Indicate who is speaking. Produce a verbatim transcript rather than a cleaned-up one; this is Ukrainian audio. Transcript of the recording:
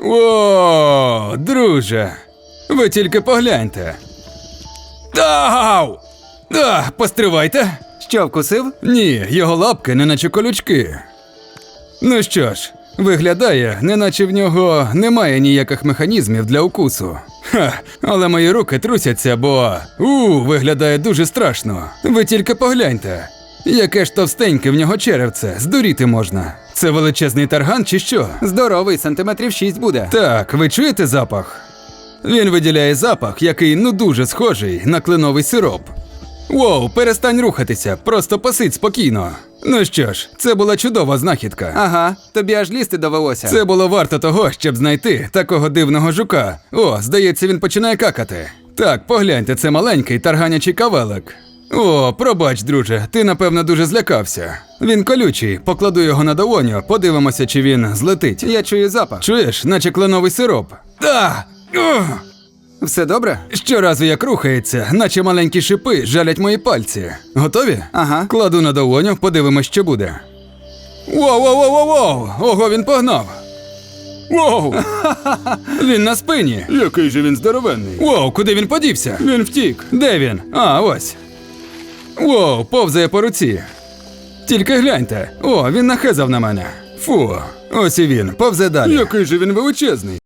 Speaker 1: О, друже, ви тільки погляньте. Ау! А, постривайте.
Speaker 2: Що, вкусив?
Speaker 1: Ні, його лапки неначе колючки. Ну що ж, виглядає, неначе в нього немає ніяких механізмів для укусу. Ха, але мої руки трусяться, бо у, виглядає дуже страшно. Ви тільки погляньте. Яке ж товстеньке в нього черевце, здуріти можна. Це величезний тарган чи що?
Speaker 2: Здоровий, сантиметрів шість буде.
Speaker 1: Так, ви чуєте запах? Він виділяє запах, який ну дуже схожий на кленовий сироп. Воу, перестань рухатися, просто посидь спокійно. Ну що ж, це була чудова знахідка.
Speaker 2: Ага, тобі аж лізти довелося.
Speaker 1: Це було варто того, щоб знайти такого дивного жука. О, здається, він починає какати. Так, погляньте, це маленький тарганячий кавелик. О, пробач, друже, ти, напевно, дуже злякався. Він колючий, покладу його на долоню, подивимося, чи він злетить.
Speaker 2: Я чую запах.
Speaker 1: Чуєш, наче кленовий сироп. Та! Ух!
Speaker 2: Все добре?
Speaker 1: Щоразу як рухається, наче маленькі шипи жалять мої пальці. Готові?
Speaker 2: Ага.
Speaker 1: Кладу на долоню, подивимось, що буде. Воу-воу-воу-воу! Ого, він погнав! Воу! Він на спині! Який же він здоровенний! Воу, куди він подівся? Він втік! Де він? А, ось! Воу, повзає по руці! Тільки гляньте! О, він нахезав на мене! Фу, ось і він, повзе далі! Який же він величезний!